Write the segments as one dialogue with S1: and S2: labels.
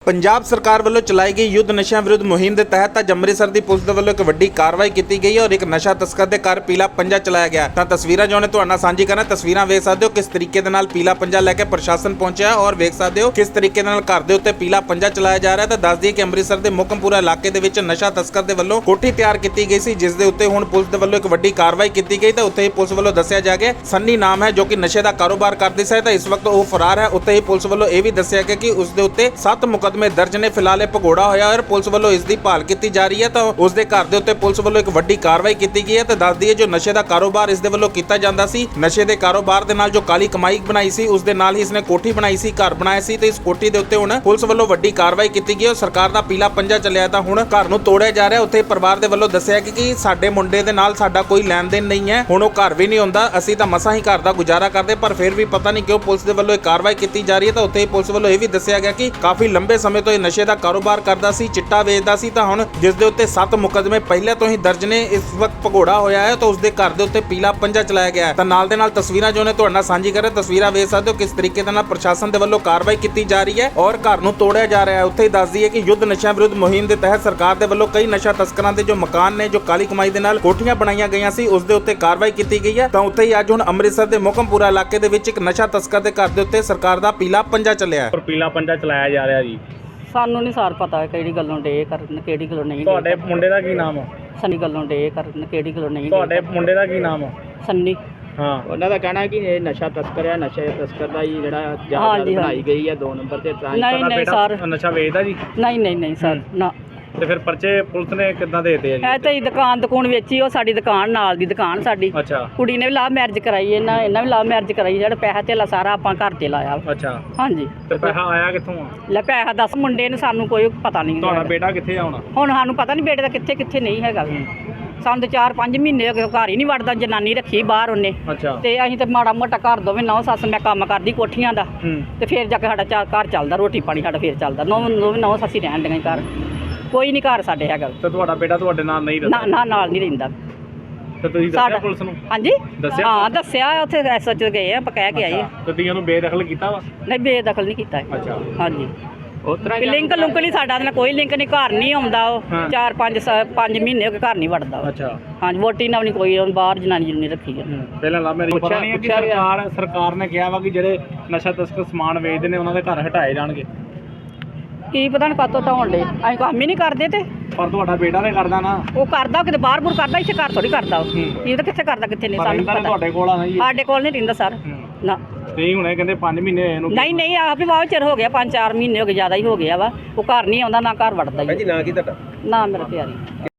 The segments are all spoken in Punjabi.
S1: ਪੰਜਾਬ ਸਰਕਾਰ ਵੱਲੋਂ ਚਲਾਈ ਗਈ ਯੁੱਧ ਨਸ਼ਿਆਂ ਵਿਰੁੱਧ ਮੁਹਿੰਮ ਦੇ ਤਹਿਤ ਅੱਜ ਅੰਮ੍ਰਿਤਸਰ ਦੀ ਪੁਲਿਸ ਦੇ ਵੱਲੋਂ ਇੱਕ ਵੱਡੀ ਕਾਰਵਾਈ ਕੀਤੀ ਗਈ ਹੈ ਔਰ ਇੱਕ ਨਸ਼ਾ ਤਸਕਰ ਦੇ ਘਰ ਪੀਲਾ ਪੰਜਾ ਚਲਾਇਆ ਗਿਆ। ਤਾਂ ਤਸਵੀਰਾਂ ਜੋ ਨੇ ਤੁਹਾਡੇ ਨਾਲ ਸਾਂਝੀ ਕਰਨਾ। ਤਸਵੀਰਾਂ ਵੇਖ ਸਕਦੇ ਹੋ ਕਿਸ ਤਰੀਕੇ ਦੇ ਨਾਲ ਪੀਲਾ ਪੰਜਾ ਲੈ ਕੇ ਪ੍ਰਸ਼ਾਸਨ ਪਹੁੰਚਿਆ ਔਰ ਵੇਖ ਸਕਦੇ ਹੋ ਕਿਸ ਤਰੀਕੇ ਨਾਲ ਘਰ ਦੇ ਉੱਤੇ ਪੀਲਾ ਪੰਜਾ ਚਲਾਇਆ ਜਾ ਰਿਹਾ। ਤਾਂ ਦੱਸ ਦਈਏ ਕਿ ਅੰਮ੍ਰਿਤਸਰ ਦੇ ਮੁਕਮਪੁਰਾ ਇਲਾਕੇ ਦੇ ਵਿੱਚ ਨਸ਼ਾ ਤਸਕਰ ਦੇ ਵੱਲੋਂ ਕੋਠੀ ਤਿਆਰ ਕੀਤੀ ਗਈ ਸੀ, ਜਿਸ ਦੇ ਉੱਤੇ ਹੁਣ ਪੁਲਿਸ ਦੇ ਵੱਲੋਂ ਇੱਕ ਵੱਡੀ ਕਾਰਵਾਈ ਕੀਤੀ ਗਈ। ਤਾਂ ਉੱਥੇ ਹੀ ਪੁਲਿਸ ਵੱਲੋਂ ਦੱਸਿਆ ਜਾ ਗਿਆ ਸੰਨੀ ਨਾਮ ਹੈ ਜੋ ਕਿ ਨਸ਼ੇ ਦਾ ਕਾਰੋਬਾਰ ਕਰਦੀ ਸੀ, ਤਾਂ ਇਸ ਵਕਤ ਉਹ ਫਰਾਰ ਹੈ। ਉੱਥੇ ਹੀ ਪੁਲਿਸ ਵੱਲੋਂ ਇਹ ਵੀ ਦੱਸਿਆ ਗਿਆ ਕਿ ਉਸ ਦੇ ਉੱਤੇ 7 ਮੁਕੱਦਮੇ ਦਰਜ ਨੇ। ਫਿਲਹਾਲ ਇਹ ਭਗੌੜਾ ਹੋਇਆ ਔਰ ਪੁਲਿਸ ਵੱਲੋਂ ਇਸ ਦੀ ਭਾਲ ਕੀਤੀ ਜਾ ਰਹੀ ਹੈ। ਤਾਂ ਉਸ ਦੇ ਘਰ ਦੇ ਉੱਤੇ ਪੁਲਿਸ ਵੱਲੋਂ ਇੱਕ ਵੱਡੀ ਕਾਰਵਾਈ ਕੀਤੀ ਗਈ ਹੈ। ਤਾਂ ਦੱਸ ਦਈਏ ਜੋ ਨਸ਼ੇ ਦਾ ਕਾਰੋਬਾਰ ਇਸ ਦੇ ਵੱਲੋਂ ਕੀਤਾ ਜਾਂਦਾ ਸੀ, ਨਸ਼ੇ ਦੇ ਕਾਰੋਬਾਰ ਦੇ ਨਾਲ ਜੋ ਕਾਲੀ ਕਮਾਈ ਬਣਾਈ ਸੀ, ਉਸ ਦੇ ਨਾਲ ਹੀ ਇਸਨੇ ਕੋਠੀ ਬਣਾਈ ਸੀ, ਘਰ ਬਣਾਇਆ ਸੀ। ਤੇ ਇਸ ਕੋਠੀ ਦੇ ਉੱਤੇ ਹੁਣ ਪੁਲਿਸ ਵੱਲੋਂ ਵੱਡੀ ਕਾਰਵਾਈ ਕੀਤੀ ਗਈ ਔਰ ਸਰਕਾਰ ਦਾ ਪੀਲਾ ਪੰਜਾ ਚੱਲਿਆ। ਤਾਂ ਹੁਣ ਘਰ ਨੂੰ ਤੋੜਿਆ ਜਾ ਰਿਹਾ। ਉੱਥੇ ਪਰਿਵਾਰ ਦੇ ਵੱਲੋਂ ਦੱਸਿਆ ਕਿ ਸਾਡੇ ਮੁੰਡੇ ਦੇ ਨਾਲ ਸਾਡਾ ਕੋਈ ਲੈਣ ਦੇਣ ਨਹੀਂ ਹੈ, ਹੁਣ ਉਹ ਘਰ ਵੀ ਨਹੀਂ ਹੁੰਦਾ, ਅਸੀਂ ਤਾਂ ਮਸਾਂ ਹੀ ਘਰ ਦਾ ਗੁਜ਼ਾਰਾ ਕਰਦੇ, ਪਰ ਫਿਰ ਵੀ ਪਤਾ ਨਹੀਂ ਕਿਉਂ ਪੁਲਿਸ ਦੇ ਵੱਲੋਂ ਇਹ ਕਾਰਵਾਈ ਕੀਤੀ ਜਾ ਰਹੀ ਹੈ। ਤਾਂ ਉੱਥੇ ਹੀ ਪੁਲਿਸ ਵੱਲੋਂ ਇਹ ਵੀ ਦੱਸਿਆ ਗਿਆ ਕਿ ਕਾਫੀ ਲੰਬੇ ਸਮੇਂ ਤੋਂ ਇਹ ਨਸ਼ੇ ਦਾ ਕਾਰੋਬਾਰ ਕਰਦਾ ਸੀ, ਚਿੱਟਾ ਵੇਚਦਾ ਸੀ। ਤਾਂ ਹੁਣ ਜਿਸ ਦੇ ਉੱਤੇ 7 ਮੁਕੱਦਮੇ ਪਹਿਲੇ ਤੋਂ ਹੀ ਦਰਜ ਨੇ, ਇਸ ਵਕਤ ਭਗੌੜਾ ਹੋਇਆ ਹੈ। ਤਾਂ ਉਸ ਦੇ ਘਰ ਦੇ ਉੱਤੇ ਪੀਲਾ ਪੰਜਾ ਚਲਾਇਆ ਗਿਆ। ਤਾਂ ਨਾਲ ਦੇ ਨਾਲ ਤਸਵੀਰਾਂ ਜੋ ਨੇ ਤੁਹਾਡੇ ਨਾਲ ਸਾਂਝੀ ਕਰ ਰਹੇ। ਤਸਵੀਰਾਂ ਵੇਖ ਸਕਦੇ ਹੋ ਕਿਸ ਤਰੀਕੇ ਦੇ ਨਾਲ ਪ੍ਰਸ਼ਾਸਨ ਦੇ ਵੱਲੋਂ ਕਾਰਵਾਈ ਕੀਤੀ ਜਾ ਰਹੀ ਹੈ ਔਰ ਘਰ ਨੂੰ ਤੋੜਿਆ ਜਾ ਰਿਹਾ ਹੈ। ਉੱਥੇ ਹੀ ਦੱਸ ਦਈਏ ਕਿ ਯੁੱਧ ਨਸ਼ਿਆਂ ਵਿਰੁੱਧ ਮੁਹਿੰਮ ਦੇ ਤਹਿਤ ਸਰਕਾਰ ਦੇ ਵੱਲੋਂ ਕਈ ਨਸ਼ਾ ਤਸਕਰਾਂ ਦੇ ਜੋ ਮਕਾਨ ਨੇ, ਜੋ ਕਾਲੀ ਕਮਾਈ ਦੇ ਨਾਲ ਕੋਠੀਆਂ ਬਣਾਈਆਂ ਗਈਆਂ ਸੀ, ਉਸ ਦੇ ਉੱਤੇ ਕਾਰਵਾਈ ਕੀਤੀ ਗਈ ਹੈ। ਤਾਂ ਉੱਥੇ ਹੀ ਅੱਜ ਹੁਣ ਅੰਮ੍ਰਿਤਸਰ ਦੇ ਮੁਕਮਪੁਰਾ ਇਲਾਕੇ ਦੇ ਵਿੱਚ ਇੱਕ ਨਸ਼ਾ ਤਸਕਰ ਦੇ ਘਰ ਦੇ ਉੱਤੇ ਸਰਕਾਰ ਦਾ ਪੀਲਾ ਪੰਜਾ ਚੱਲਿਆ ਹੈ।
S2: ਪਰ ਪੀਲਾ ਪੰਜਾ ਚਲਾਇਆ ਜਾ ਰਿਹਾ ਜੀ।
S3: ਸਾਨੂੰ ਨਹੀਂ ਸਾਰ ਪਤਾ ਕਿਹੜੀ ਗੱਲੋਂ ਡੇ ਕਰਨ, ਕਿਹੜੀ ਗੱਲੋਂ ਨਹੀਂ।
S2: ਤੁਹਾਡੇ ਮੁੰਡੇ ਦਾ ਕੀ ਨਾਮ ਆ?
S3: ਸੰਨੀ ਗੱਲੋਂ ਡੇ ਕਰਨ, ਕਿਹੜੀ ਗੱਲੋਂ ਨਹੀਂ।
S2: ਤੁਹਾਡੇ ਮੁੰਡੇ ਦਾ ਕੀ ਨਾਮ ਆ?
S3: ਸੰਨੀ।
S2: ਹਾਂ,
S4: ਉਹਨਾਂ ਦਾ ਕਹਿਣਾ ਹੈ ਕਿ ਇਹ ਨਸ਼ਾ ਤਸਕਰ ਹੈ, ਨਸ਼ੇ ਤਸਕਰ ਦਾ ਹੀ ਜਿਹੜਾ ਜਾਇਦਾਦ ਬਣਾਈ ਗਈ ਹੈ 2 ਨੰਬਰ ਤੇ।
S3: ਨਹੀਂ ਨਹੀਂ ਸਰ,
S2: ਨਸ਼ਾ ਵੇਚਦਾ ਜੀ?
S3: ਨਹੀਂ ਨਹੀਂ ਨਹੀਂ ਸਰ, ਨਾ।
S2: ਤੇ ਫਿਰ ਪਰਚੇ ਪੁਲਿਸ ਨੇ ਕਿੱਦਾਂ ਦੇ ਦਿੱਤੇ ਆ ਜੀ?
S3: ਇਹ ਤਾਂ ਹੀ ਦੁਕਾਨ ਵੇਚੀ, ਉਹ ਸਾਡੀ ਦੁਕਾਨ ਨਾਲ ਦੀ ਦੁਕਾਨ ਸਾਡੀ।
S2: ਅੱਛਾ।
S3: ਕੁੜੀ ਨੇ ਵੀ ਲਾਭ ਮੈਰਿਜ ਕਰਾਈ, ਇਹਨਾਂ ਵੀ ਲਾਭ ਮੈਰਿਜ ਕਰਾਈ। ਜਿਹੜਾ ਪੈਸਾ ਧੇਲਾ ਸਾਰਾ ਆਪਾਂ ਘਰ ਤੇ ਲਾਇਆ।
S2: ਅੱਛਾ।
S3: ਹਾਂਜੀ।
S2: ਤੇ ਪੈਸਾ ਆਇਆ ਕਿੱਥੋਂ ਆ?
S3: ਲੈ ਪੈਸਾ ਦੱਸ, ਮੁੰਡੇ ਨੇ ਸਾਨੂੰ ਕੋਈ ਪਤਾ ਨਹੀਂ।
S2: ਤੁਹਾਡਾ ਬੇਟਾ ਕਿੱਥੇ ਆ ਹੁਣ?
S3: ਹੁਣ ਸਾਨੂੰ ਪਤਾ ਨਹੀਂ ਬੇਟੇ ਦਾ ਕਿੱਥੇ ਕਿੱਥੇ ਨਹੀਂ ਹੈਗਾ। ਸਾਨੂੰ ਤਾਂ 4-5 ਮਹੀਨੇ ਹੋ ਗਏ ਘਰ ਹੀ ਨਹੀਂ ਵੜਦਾ। ਜਨਾਨੀ ਰੱਖੀ ਬਾਹਰ ਉਹਨੇ।
S2: ਅੱਛਾ।
S3: ਤੇ ਅਸੀਂ ਤੇ ਮਾੜਾ ਮੋਟਾ ਘਰ ਦੋਵੇਂ ਨੌ ਸੱਸ, ਮੈਂ ਕੰਮ ਕਰਦੀ ਕੋਠੀਆਂ ਦਾ, ਤੇ ਫਿਰ ਜਾ ਕੇ ਸਾਡਾ ਘਰ ਚੱਲਦਾ, ਰੋਟੀ ਪਾਣੀ ਸਾਡਾ ਫਿਰ ਚੱਲਦਾ। ਨੌ ਸੱਸੀ ਰਹਿਣ ਦੀਆਂ ਘਰ, ਕੋਈ ਨਹੀਂ ਘਰ ਸਾਡੇ ਹੈਗਾ।
S2: ਤੇ ਤੁਹਾਡਾ ਬੇਟਾ ਤੁਹਾਡੇ ਨਾਲ ਨਹੀਂ ਰਹਿੰਦਾ?
S3: ਨਾ ਨਾਲ ਨਹੀਂ ਰਹਿੰਦਾ।
S2: ਤੇ ਤੁਸੀਂ ਦੱਸਿਆ ਪੁਲਿਸ ਨੂੰ? ਹਾਂਜੀ ਦੱਸਿਆ? ਹਾਂ
S3: ਦੱਸਿਆ, ਉੱਥੇ ਐਸਐਚ ਗਏ ਆਪਾਂ, ਕਹਿ ਕੇ ਆਏ।
S2: ਤੇ ਤੁਸੀਂ ਉਹਨੂੰ ਬੇਦਖਲ ਕੀਤਾ ਵਾ?
S3: ਨਹੀਂ ਬੇਦਖਲ ਨਹੀਂ ਕੀਤਾ।
S2: ਅੱਛਾ।
S3: ਹਾਂਜੀ।
S4: ਉਤਰਾ
S3: ਲਿੰਕ ਲੁੰਕ ਨਹੀਂ ਸਾਡਾ, ਕੋਈ ਲਿੰਕ ਨਹੀਂ, ਘਰ ਨਹੀਂ ਆਉਂਦਾ ਉਹ। 4-5 ਮਹੀਨੇ ਹੋ ਗਏ ਘਰ ਨਹੀਂ ਵੜਦਾ।
S2: ਅੱਛਾ।
S3: ਹਾਂਜੀ, ਵੋਟੀ ਨਾਲ ਨਹੀਂ ਕੋਈ, ਬਾਹਰ ਜਨਾਨੀ ਨਹੀਂ ਰੱਖੀ ਹੈ।
S2: ਪਹਿਲਾਂ ਲਾ ਮੇਰੀ ਪੁੱਛਿਆ ਨਹੀਂ ਕਿ ਸਰਕਾਰ ਨੇ ਕਿਹਾ ਵਾ ਕਿ ਜਿਹੜੇ ਨਸ਼ਾ ਤਸਕਰ ਸਮਾਨ ਵੇਚਦੇ ਨੇ ਉਹਨਾਂ ਦੇ ਘਰ ਹਟਾਏ ਜਾਣਗੇ।
S3: ਕੀ ਪਤਾ ਨਹੀਂ ਕਾਤੋਂ ਢਾਉਣ ਦੇ, ਅਸੀਂ ਕੰਮ ਹੀ ਨਹੀਂ ਕਰਦੇ। ਤੇ
S2: ਪਰ ਤੁਹਾਡਾ ਬੇਟਾ ਤੇ ਕਰਦਾ ਨਾ।
S3: ਉਹ ਕਰਦਾ, ਕਿਤੇ ਬਾਹਰ ਬੁਰ ਕਰਦਾ, ਇੱਥੇ ਘਰ ਥੋੜੀ ਕਰਦਾ। ਇਹ ਤਾਂ ਕਿੱਥੇ ਕਰਦਾ ਕਿੱਥੇ ਨਹੀਂ ਸਾਨੂੰ ਪਤਾ।
S2: ਤੁਹਾਡੇ ਕੋਲ ਆ ਨਾ ਜੀ?
S3: ਸਾਡੇ ਕੋਲ ਨਹੀਂ ਰਹਿੰਦਾ ਸਰ, ਨਾ।
S2: ਤੇ ਹੁਣੇ ਕਹਿੰਦੇ 5 ਮਹੀਨੇ ਹੋਏ ਇਹਨੂੰ।
S3: ਨਹੀਂ ਆਪ ਵੀ ਬਹੁਤ ਚਿਰ ਹੋ ਗਿਆ, 5-4 ਮਹੀਨੇ ਹੋ ਗਏ, ਜ਼ਿਆਦਾ ਹੀ ਹੋ ਗਿਆ ਵਾ। ਉਹ ਘਰ ਨਹੀਂ ਆਉਂਦਾ, ਨਾ ਘਰ ਵੜਦਾ ਜੀ।
S2: ਨਾ ਕੀ ਤੁਹਾਡਾ?
S3: ਨਾ ਮੇਰਾ ਪਿਆਰੀ।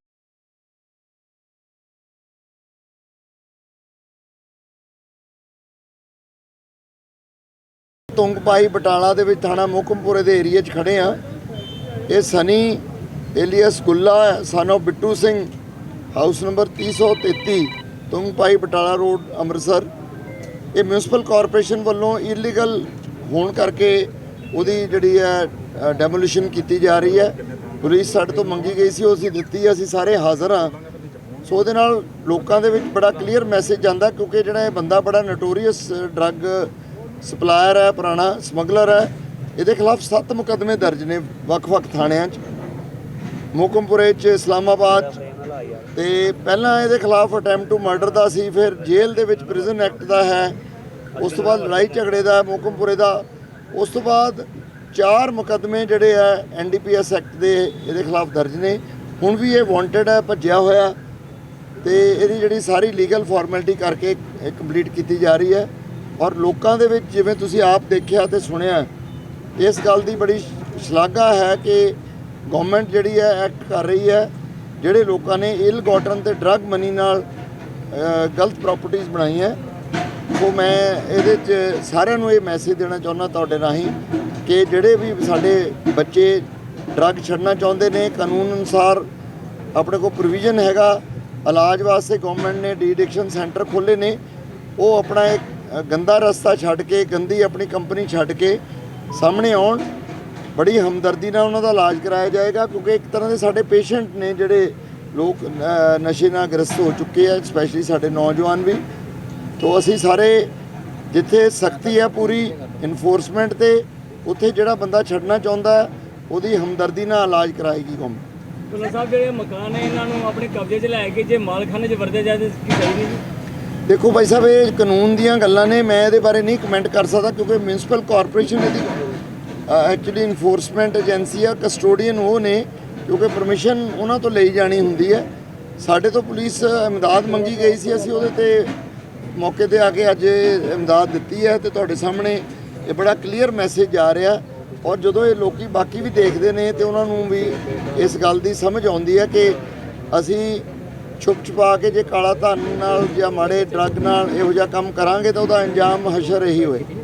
S5: ਤੁੰਗਪਾਈ ਬਟਾਲਾ ਦੇ ਵਿੱਚ ਥਾਣਾ ਮੁਕਮਪੁਰੇ ਦੇ ਏਰੀਆ 'ਚ ਖੜੇ ਆ। ਇਹ Sunny alias Gulla son of Bittu Singh, house number 333, Tungpai Batala road, Amritsar. ਇਹ ਮਿਊਨਿਸਪਲ ਕਾਰਪੋਰੇਸ਼ਨ ਵੱਲੋਂ ਇਲੀਗਲ ਹੋਣ ਕਰਕੇ ਉਹਦੀ ਜਿਹੜੀ ਹੈ ਡੈਮੋਲੀਸ਼ਨ ਕੀਤੀ ਜਾ ਰਹੀ ਹੈ। ਪੁਲਿਸ ਸਾਡੇ ਤੋਂ ਮੰਗੀ ਗਈ ਸੀ, ਉਹ ਅਸੀਂ ਦਿੱਤੀ। ਅਸੀਂ ਸਾਰੇ ਹਾਜ਼ਰ ਹਾਂ। ਸੋ ਉਹਦੇ ਨਾਲ ਲੋਕਾਂ ਦੇ ਵਿੱਚ ਬੜਾ ਕਲੀਅਰ ਮੈਸੇਜ ਜਾਂਦਾ, ਕਿਉਂਕਿ ਜਿਹੜਾ ਇਹ ਬੰਦਾ ਬੜਾ ਨੋਟੋਰੀਅਸ ਡਰੱਗ ਸਪਲਾਇਰ ਹੈ, ਪੁਰਾਣਾ ਸਮਗਲਰ ਹੈ। ਇਹਦੇ ਖਿਲਾਫ 7 ਮੁਕੱਦਮੇ ਦਰਜ ਨੇ ਵੱਖ-ਵੱਖ ਥਾਣਿਆਂ 'ਚ, ਮੁਕਮਪੁਰੇ 'ਚ, ਇਸਲਾਮਾਬਾਦ 'ਚ। ਤੇ ਪਹਿਲਾਂ ਇਹਦੇ ਖਿਲਾਫ ਅਟੈਂਪਟ ਟੂ ਮਰਡਰ ਦਾ ਸੀ, ਫਿਰ ਜੇਲ੍ਹ ਦੇ ਵਿੱਚ ਪ੍ਰਿਜ਼ਨ ਐਕਟ ਦਾ ਹੈ, ਉਸ ਤੋਂ ਬਾਅਦ ਲੜਾਈ ਝਗੜੇ ਦਾ ਮੁਕਮਪੁਰੇ ਦਾ, ਉਸ ਤੋਂ ਬਾਅਦ 4 ਮੁਕੱਦਮੇ ਜਿਹੜੇ ਆ NDPS ਐਕਟ ਦੇ ਇਹਦੇ ਖਿਲਾਫ ਦਰਜ ਨੇ। ਹੁਣ ਵੀ ਇਹ ਵਾਂਟਡ ਹੈ, ਭੱਜਿਆ ਹੋਇਆ। ਤੇ ਇਹਦੀ ਜਿਹੜੀ ਸਾਰੀ ਲੀਗਲ ਫਾਰਮੈਲਿਟੀ ਕਰਕੇ ਕੰਪਲੀਟ ਕੀਤੀ ਜਾ ਰਹੀ ਹੈ। ਔਰ ਲੋਕਾਂ ਦੇ ਵਿੱਚ ਜਿਵੇਂ ਤੁਸੀਂ ਆਪ ਦੇਖਿਆ ਤੇ ਸੁਣਿਆ, ਇਸ ਗੱਲ ਦੀ ਬੜੀ ਸ਼ਲਾਘਾ ਹੈ ਕਿ ਗਵਰਨਮੈਂਟ ਜਿਹੜੀ ਹੈ ਐਕਟ ਕਰ ਰਹੀ ਹੈ। ਜਿਹੜੇ ਲੋਕਾਂ ਨੇ ਇਲ ਗੋਟਨ ਤੇ ਡਰੱਗ ਮਨੀ ਨਾਲ ਗਲਤ ਪ੍ਰਾਪਰਟੀਆਂ ਬਣਾਈਆਂ, ਉਹ ਮੈਂ ਇਹਦੇ 'ਚ ਸਾਰਿਆਂ ਨੂੰ ਇਹ ਮੈਸੇਜ ਦੇਣਾ ਚਾਹੁੰਦਾ ਤੁਹਾਡੇ ਰਾਹੀਂ ਕਿ ਜਿਹੜੇ ਵੀ ਸਾਡੇ ਬੱਚੇ ਡਰੱਗ ਛੱਡਣਾ ਚਾਹੁੰਦੇ ਨੇ, ਕਾਨੂੰਨ ਅਨੁਸਾਰ ਆਪਣੇ ਕੋਲ ਪ੍ਰੋਵੀਜ਼ਨ ਹੈਗਾ। ਇਲਾਜ ਵਾਸਤੇ ਗਵਰਨਮੈਂਟ ਨੇ ਡੀ ਐਡਿਕਸ਼ਨ ਸੈਂਟਰ ਖੋਲ੍ਹੇ ਨੇ। ਉਹ ਆਪਣਾ ਇੱਕ ਗੰਦਾ ਰਸਤਾ ਛੱਡ ਕੇ, ਗੰਦੀ ਆਪਣੀ ਕੰਪਨੀ ਛੱਡ ਕੇ ਸਾਹਮਣੇ ਆਉਣ। ਬੜੀ ਹਮਦਰਦੀ ਨਾਲ ਉਹਨਾਂ ਦਾ ਇਲਾਜ ਕਰਾਇਆ ਜਾਏਗਾ, ਕਿਉਂਕਿ ਇੱਕ ਤਰ੍ਹਾਂ ਦੇ ਸਾਡੇ ਪੇਸ਼ੈਂਟ ਨੇ ਜਿਹੜੇ ਲੋਕ ਨਸ਼ੇ ਨਾਲ ਗ੍ਰਸਤ ਹੋ ਚੁੱਕੇ ਆ, ਸਪੈਸ਼ਲੀ ਸਾਡੇ ਨੌਜਵਾਨ ਵੀ। ਤੋਂ ਅਸੀਂ ਸਾਰੇ ਜਿੱਥੇ ਸਖਤੀ ਹੈ ਪੂਰੀ ਇਨਫੋਰਸਮੈਂਟ ਤੇ, ਉੱਥੇ ਜਿਹੜਾ ਬੰਦਾ ਛੱਡਣਾ ਚਾਹੁੰਦਾ ਉਹਦੀ ਹਮਦਰਦੀ ਨਾਲ ਇਲਾਜ ਕਰਾਏਗੀ ਗੌਰਮੈਂਟ।
S2: ਪੁਲਿਸ ਸਾਹਿਬ ਜਿਹੜੇ ਮਕਾਨ ਹੈ ਇਹਨਾਂ ਨੂੰ ਆਪਣੇ ਕਬਜ਼ੇ 'ਚ ਲੈ ਕੇ ਜੇ ਮਾਲਖਾਨੇ 'ਚ ਵਰਤੇ ਜਾਏ ਕੀ ਸਹੀ ਨਹੀਂ ਜੀ?
S5: ਦੇਖੋ ਭਾਈ ਸਾਹਿਬ, ਇਹ ਕਾਨੂੰਨ ਦੀਆਂ ਗੱਲਾਂ ਨੇ, ਮੈਂ ਇਹਦੇ ਬਾਰੇ ਨਹੀਂ ਕਮੈਂਟ ਕਰ ਸਕਦਾ ਕਿਉਂਕਿ ਮਿਊਨਿਸਪਲ ਕਾਰਪੋਰੇਸ਼ਨ ਇਹਦੀ ਐਕਚੁਅਲੀ ਇਨਫੋਰਸਮੈਂਟ ਏਜੰਸੀ ਆ, ਕਸਟੋਡੀਅਨ ਉਹ ਨੇ, ਕਿਉਂਕਿ ਪਰਮਿਸ਼ਨ ਉਹਨਾਂ ਤੋਂ ਲਈ ਜਾਣੀ ਹੁੰਦੀ ਹੈ। ਸਾਡੇ ਤੋਂ ਪੁਲਿਸ ਇਮਦਾਦ ਮੰਗੀ ਗਈ ਸੀ, ਅਸੀਂ ਉਹਦੇ ਤੇ ਮੌਕੇ ਤੇ ਆ ਕੇ ਅੱਜ ਇਮਦਾਦ ਦਿੱਤੀ ਹੈ ਤੇ ਤੁਹਾਡੇ ਸਾਹਮਣੇ ਇਹ ਬੜਾ ਕਲੀਅਰ ਮੈਸੇਜ ਆ ਰਿਹਾ। ਔਰ ਜਦੋਂ ਇਹ ਲੋਕੀ ਬਾਕੀ ਵੀ ਦੇਖਦੇ ਨੇ ਤੇ ਉਹਨਾਂ ਨੂੰ ਵੀ ਇਸ ਗੱਲ ਦੀ ਸਮਝ ਆਉਂਦੀ ਹੈ ਕਿ ਅਸੀਂ ਛੁਪ ਛੁਪਾ ਕੇ ਜੇ ਕਾਲਾ ਧਨ ਨਾਲ ਜਾਂ ਮਾੜੇ ਡਰੱਗ ਨਾਲ ਇਹੋ ਜਿਹਾ ਕੰਮ ਕਰਾਂਗੇ ਤਾਂ ਉਹਦਾ ਅੰਜਾਮ ਹਸ਼ਰ ਇਹੀ ਹੋਏ।